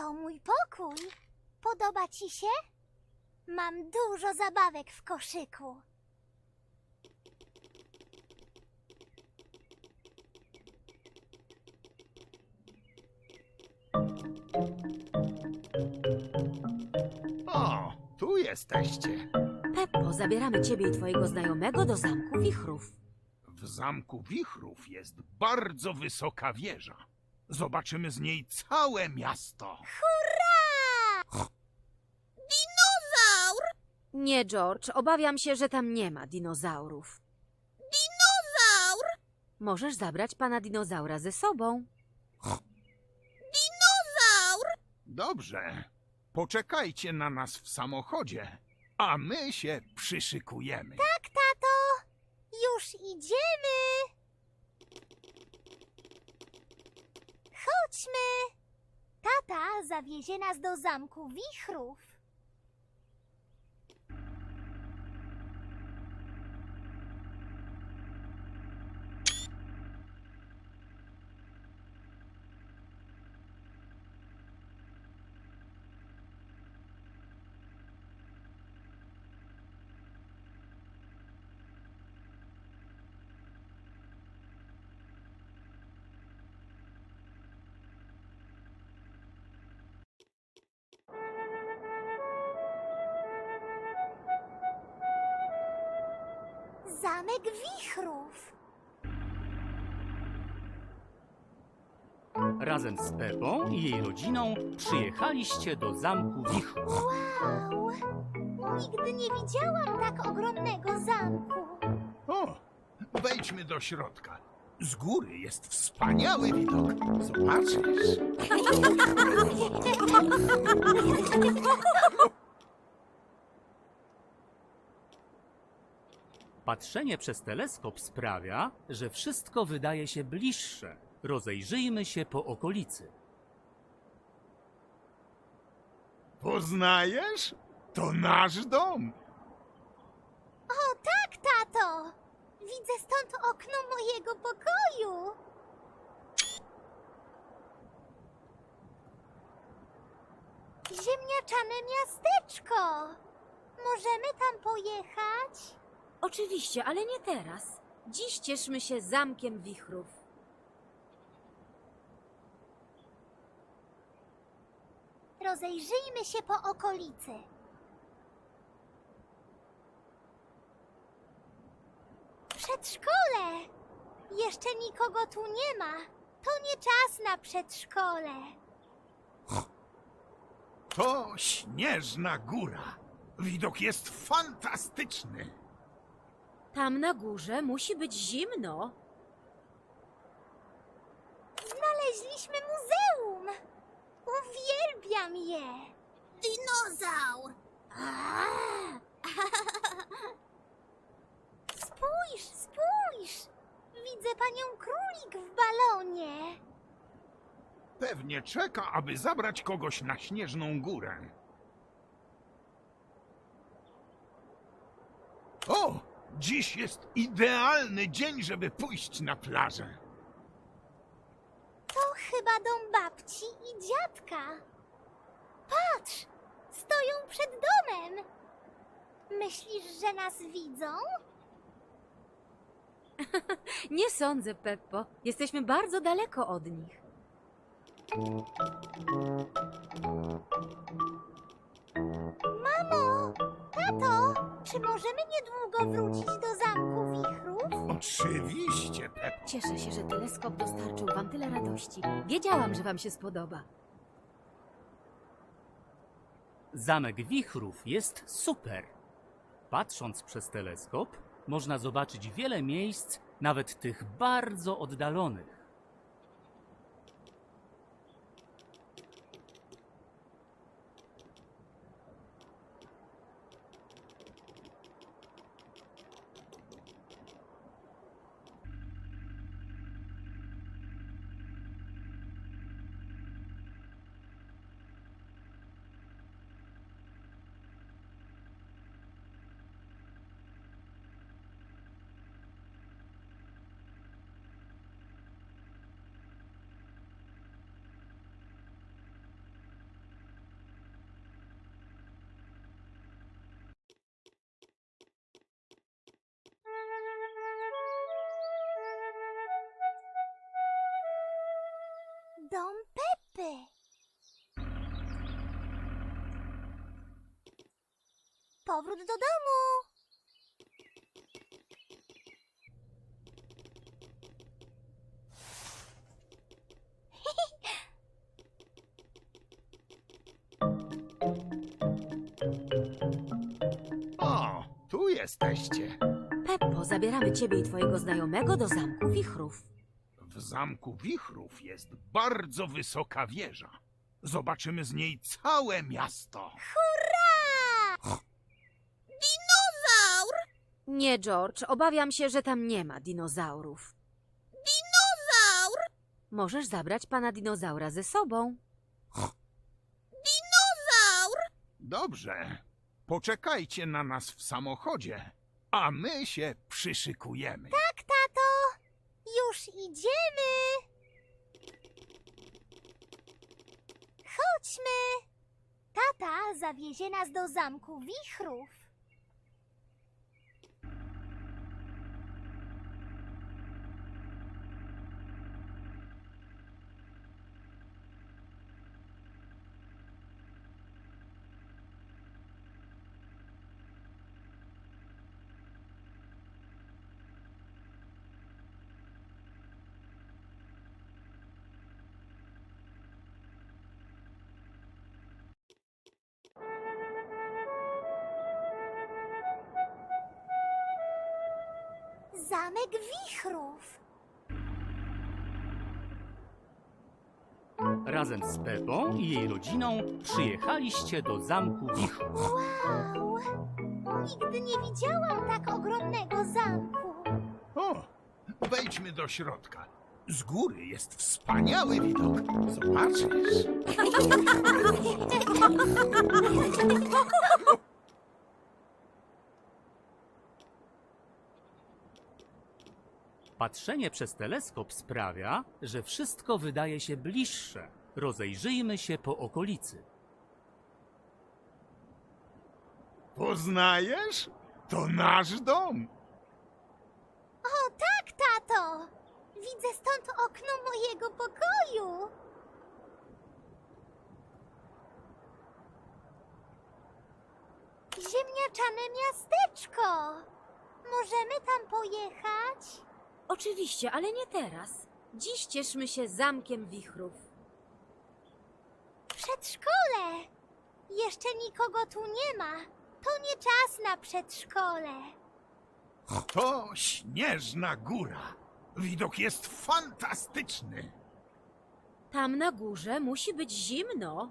To mój pokój. Podoba ci się? Mam dużo zabawek w koszyku. O, tu jesteście. Peppo, zabieramy ciebie i twojego znajomego do Zamku Wichrów. W Zamku Wichrów jest bardzo wysoka wieża. Zobaczymy z niej całe miasto. Hurra! Dinozaur! Nie, George, obawiam się, że tam nie ma dinozaurów. Dinozaur! Możesz zabrać pana dinozaura ze sobą. Dinozaur! Dobrze. Poczekajcie na nas w samochodzie, a my się przyszykujemy. Tak, tato! Już idziemy! Chodźmy! Tata zawiezie nas do Zamku Wichrów. Zamek Wichrów. Razem z Pepą i jej rodziną przyjechaliście do Zamku Wichrów. Wow! Nigdy nie widziałam tak ogromnego zamku. O, wejdźmy do środka. Z góry jest wspaniały widok. Zobaczysz. Patrzenie przez teleskop sprawia, że wszystko wydaje się bliższe. Rozejrzyjmy się po okolicy. Poznajesz? To nasz dom. O tak, tato! Widzę stąd okno mojego pokoju. Ziemniaczane miasteczko. Możemy tam pojechać? Oczywiście, ale nie teraz. Dziś cieszmy się Zamkiem Wichrów. Rozejrzyjmy się po okolicy. Przedszkole! Jeszcze nikogo tu nie ma. To nie czas na przedszkole. To Śnieżna Góra. Widok jest fantastyczny. Tam na górze musi być zimno. Znaleźliśmy muzeum. Uwielbiam je. Dinozaur. Spójrz, spójrz. Widzę panią Królik w balonie. Pewnie czeka, aby zabrać kogoś na Śnieżną Górę. O! Dziś jest idealny dzień, żeby pójść na plażę. To chyba dom babci i dziadka. Patrz, stoją przed domem. Myślisz, że nas widzą? Nie sądzę, Peppo. Jesteśmy bardzo daleko od nich. Mamo, tato, czy możemy niedługo wrócić do Zamku Wichrów? Oczywiście, Peppo. Cieszę się, że teleskop dostarczył wam tyle radości. Wiedziałam, że wam się spodoba. Zamek Wichrów jest super. Patrząc przez teleskop, można zobaczyć wiele miejsc, nawet tych bardzo oddalonych. powrót do domu. O, tu jesteście. Peppo, zabieramy ciebie i twojego znajomego do Zamku Wichrów. W Zamku Wichrów jest bardzo wysoka wieża. Zobaczymy z niej całe miasto. Hurra! Dinozaur! Nie, George, obawiam się, że tam nie ma dinozaurów. Dinozaur! Możesz zabrać pana dinozaura ze sobą. Dinozaur! Dobrze. Poczekajcie na nas w samochodzie, a my się przyszykujemy. Tak, tato. Już idziemy. Chodźmy. Tata zawiezie nas do Zamku Wichrów. Zamek Wichrów. Razem z Peppą i jej rodziną przyjechaliście do Zamku Wichrów. Wow! Nigdy nie widziałam tak ogromnego zamku. O, wejdźmy do środka. Z góry jest wspaniały widok. Zobaczysz. Patrzenie przez teleskop sprawia, że wszystko wydaje się bliższe. Rozejrzyjmy się po okolicy. Poznajesz? To nasz dom. O tak, tato! Widzę stąd okno mojego pokoju. Ziemniaczane miasteczko. Możemy tam pojechać? Oczywiście, ale nie teraz. Dziś cieszmy się Zamkiem Wichrów. Przedszkole. Jeszcze nikogo tu nie ma. To nie czas na przedszkole. To Śnieżna Góra. Widok jest fantastyczny. Tam na górze musi być zimno.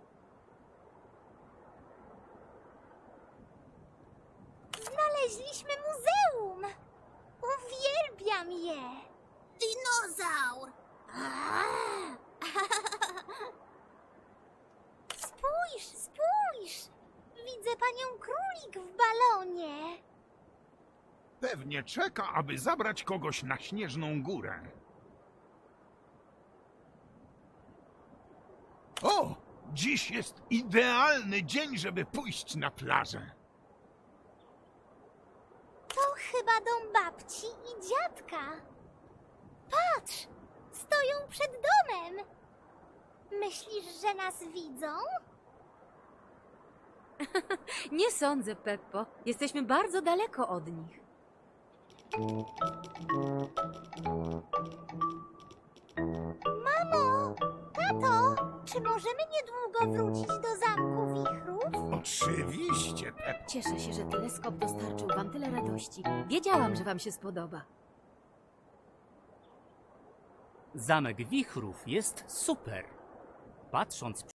Znaleźliśmy muzeum. Uwielbiam je. Dinozaur. Spójrz, spójrz. Widzę panią Królik w balonie. Pewnie czeka, aby zabrać kogoś na Śnieżną Górę. O! Dziś jest idealny dzień, żeby pójść na plażę. To chyba dom babci i dziadka. Patrz, stoją przed domem. Myślisz, że nas widzą? Nie sądzę, Peppo. Jesteśmy bardzo daleko od nich. Mamo, tato, czy możemy niedługo wrócić do Zamku Wichrów? Oczywiście, Peppo. Cieszę się, że teleskop dostarczył wam tyle radości. Wiedziałam, że wam się spodoba. Zamek Wichrów jest super. Patrząc